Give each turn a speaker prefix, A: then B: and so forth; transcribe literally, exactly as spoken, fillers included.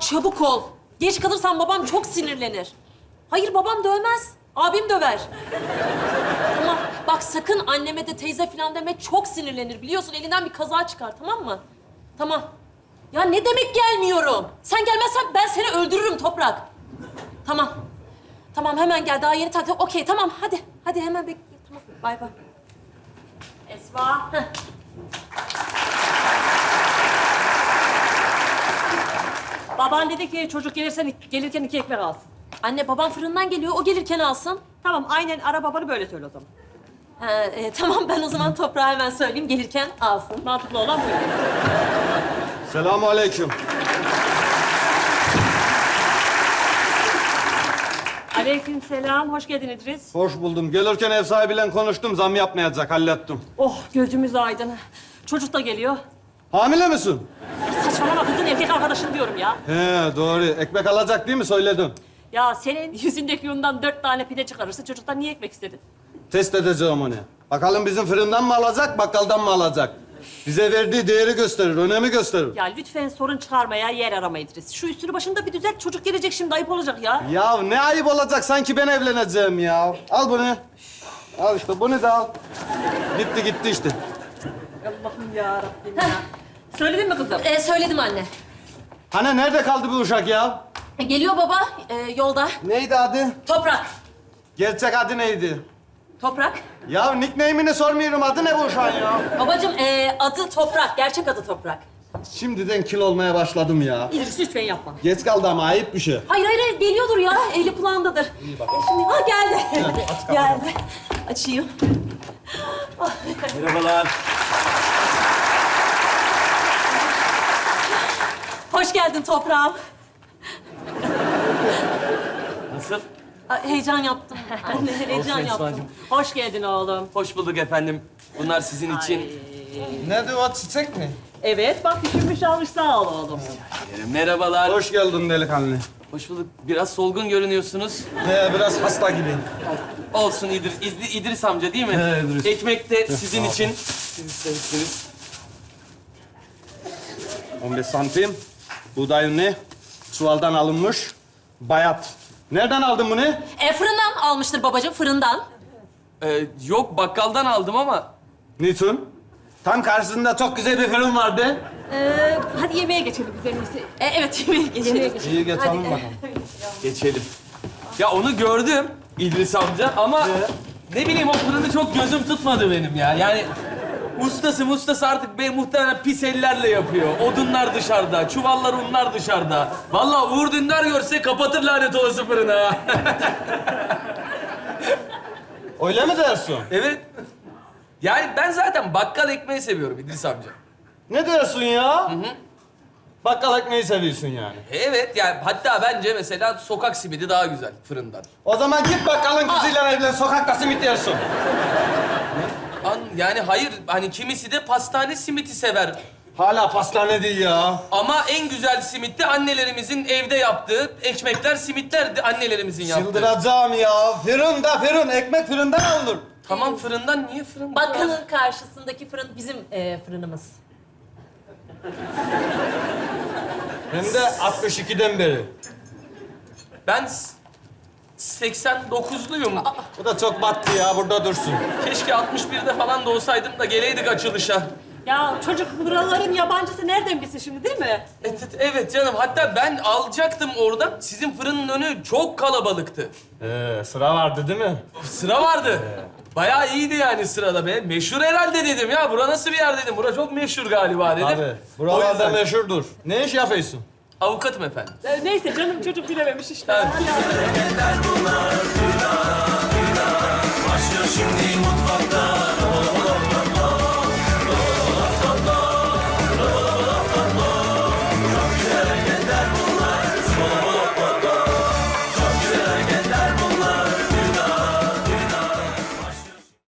A: bak çabuk ol. Geç kalırsan babam çok sinirlenir. Hayır babam dövmez. Abim döver. Tamam. Bak sakın anneme de teyze falan deme. Çok sinirlenir. Biliyorsun elinden bir kaza çıkar tamam mı? Tamam. Ya ne demek gelmiyorum? Sen gelmezsen ben seni öldürürüm Toprak. Tamam. Tamam hemen gel. Daha yeni taktım. Okey tamam hadi. Hadi hemen bekle. Tamam. Bay bay. Esma. Heh.
B: Baban dedi ki çocuk gelirsen gelirken iki ekmek alsın.
A: Anne babam fırından geliyor. O gelirken alsın.
B: Tamam aynen ara babanı böyle söyle o zaman.
A: Ha, e, tamam ben o zaman Toprağa hemen söyleyeyim. Gelirken alsın.
B: Mantıklı olan bu.
C: Selamun aleyküm.
B: Aleykümselam, hoş geldin İdris.
C: Hoş buldum. Gelirken ev sahibiyle konuştum. Zam yapmayacak. Hallettim.
B: Oh gözümüz aydın. Çocuk da geliyor.
C: Hamile misin?
B: Saçmalama kızın erkek arkadaşın diyorum ya.
C: He doğru. Ekmek alacak değil mi? Söyledim.
B: Ya senin yüzündeki yundan dört tane pide çıkarırsa çocuktan niye ekmek istedin?
C: Test edeceğim onu. Bakalım bizim fırından mı alacak, bakkaldan mı alacak? Bize verdiği değeri gösterir, önemi gösterir.
B: Ya lütfen sorun çıkarmaya yer arama İdris. Şu üstünü başında bir düzelt, çocuk gelecek şimdi ayıp olacak ya.
C: Ya ne ayıp olacak sanki ben evleneceğim ya. Al bunu. Al işte bunu da al. Gitti gitti işte.
B: Allah'ım ya Rabbim ya. Söyledin mi kızım?
A: E, söyledim anne.
C: Hani nerede kaldı bu uşak ya?
A: E, geliyor baba e, yolda.
C: Neydi adı?
A: Toprak.
C: Gerçek adı neydi?
A: Toprak.
C: Ya nickname'ini sormuyorum. Adı ne bu uşağın ya?
A: Babacığım e, adı Toprak. Gerçek adı Toprak.
C: Şimdiden kil olmaya başladım ya.
B: İdris lütfen yapma.
C: Geç kaldı ama ayıp bir şey.
A: Hayır hayır hayır, geliyordur ya. Eli kulağındadır. İyi bak. E, şimdi ha geldi. geldi. Açayım.
D: Merhabalar.
A: Hoş geldin toprağım.
D: Nasıl?
A: Ay, heyecan yaptım. Anne heyecan
D: Olsun
A: yaptım.
D: Esma'cığım.
B: Hoş geldin oğlum.
D: Hoş bulduk efendim. Bunlar sizin için.
C: Nedir o çiçek mi?
B: Evet bak düşünmüş almış sağ ol oğlum.
D: Ee, Merhabalar. Hoş.
C: Hoş geldin delikanlı.
D: Hoş bulduk. Biraz solgun görünüyorsunuz.
C: He biraz hasta gibi.
D: Olsun İdris, İdris, İdris amca değil mi?
C: He, İdris.
D: Ekmek de sizin için. Siz istemişsiniz.
C: on beş santim. Buğday ünlü. Çuvaldan alınmış. Bayat. Nereden aldın bunu?
A: E, fırından almıştır babacığım, fırından.
D: Ee, yok bakkaldan aldım ama.
C: Niçin? Tam karşısında çok güzel bir fırın vardı.
B: Ee, hadi yemeğe geçelim biz en iyisi.
A: E, evet yemeğe geçelim.
B: Yemeğe geçelim.
C: İyi geçelim
A: Hadi.
C: bakalım.
D: Geçelim. Ya onu gördüm İdris amca ama ne bileyim o fırını çok gözüm tutmadı benim ya. Yani ustası ustası artık be muhtemelen pis ellerle yapıyor. Odunlar dışarıda, çuvallar unlar dışarıda. Vallahi Uğur Dündar görse kapatır lanet olası fırını ha.
C: Öyle mi dersin?
D: Evet. Yani ben zaten bakkal ekmeği seviyorum İdris amca.
C: Ne dersin ya? Hı hı. Bakkal ekmeği seviyorsun yani.
D: Evet yani hatta bence mesela sokak simidi daha güzel fırından.
C: O zaman git bakkalın kızıyla evlen, sokakta simit yersin.
D: An, yani hayır hani kimisi de pastane simiti sever.
C: Hala pastane değil ya.
D: Ama en güzel simit de annelerimizin evde yaptığı ekmekler, simitler de annelerimizin yaptığı.
C: Çıldıracağım ya. Fırın da fırın, ekmek fırından alınır.
D: Tamam fırından niye fırından?
A: Bakkalın karşısındaki fırın bizim e, fırınımız.
C: Hem de altmış ikiden beri.
D: Ben s- seksen dokuzluyum.
C: Bu da çok battı ya, burada dursun.
D: Keşke altmış birde falan da olsaydım da geleydik açılışa.
B: Ya çocuk buraların yabancısı nereden bilsin şimdi değil mi?
D: Evet, evet canım. Hatta ben alacaktım oradan. Sizin fırının önü çok kalabalıktı.
C: Ee, sıra vardı değil mi?
D: Sıra vardı. Bayağı iyiydi yani sırada be. Meşhur herhalde dedim ya. Bura nasıl bir yer dedim. Bura çok meşhur galiba dedim.
C: Abi,
D: O
C: buralarda
D: yüzden-
C: meşhurdur. Ne iş yapıyorsun?
D: Avukatım efendim.
B: Ee, neyse canım çocuk bilememiş işte.
D: Evet.
B: Hadi.
E: Başlıyor şimdi mutlu